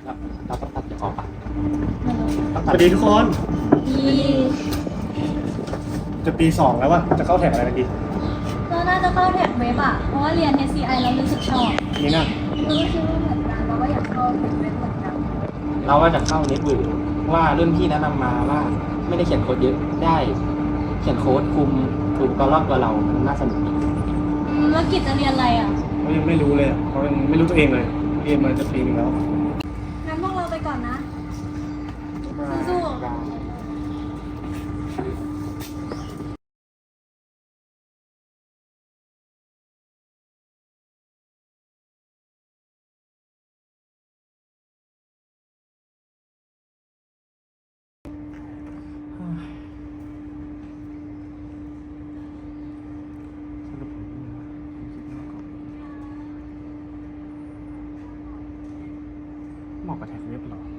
เราต้องตัดจะออกปะสวัสดีทุกคนดีจะปี 2แล้ววะจะเข้าแถวอะไรกันดีเราน่าจะเข้าแท็กเว็บอ่ะ เพราะว่าเรียน SCI เรารู้สึกชอบนี่นะเราก็คิดว่าเหมือนกันเราก็อยากเข้าแท็กเว็บเหมือนกันเราก็จะเข้าเน็ตเวิร์กว่ารุ่นพี่แนะนำมาว่าไม่ได้เขียนโค้ดเยอะได้เขียนโค้ดคุมตัวรอบตัวเรามันน่าสนุกดีแล้วกิจจะเรียนอะไรอ่ะเขายังไม่รู้เลยอะเขายังไม่รู้ตัวเองเลยเรียนมาจะปีนึงแล้วงั้นพวกเราไปก่อนนะ สู้ๆได้เหมาะกับแท็กเว็บเหรอ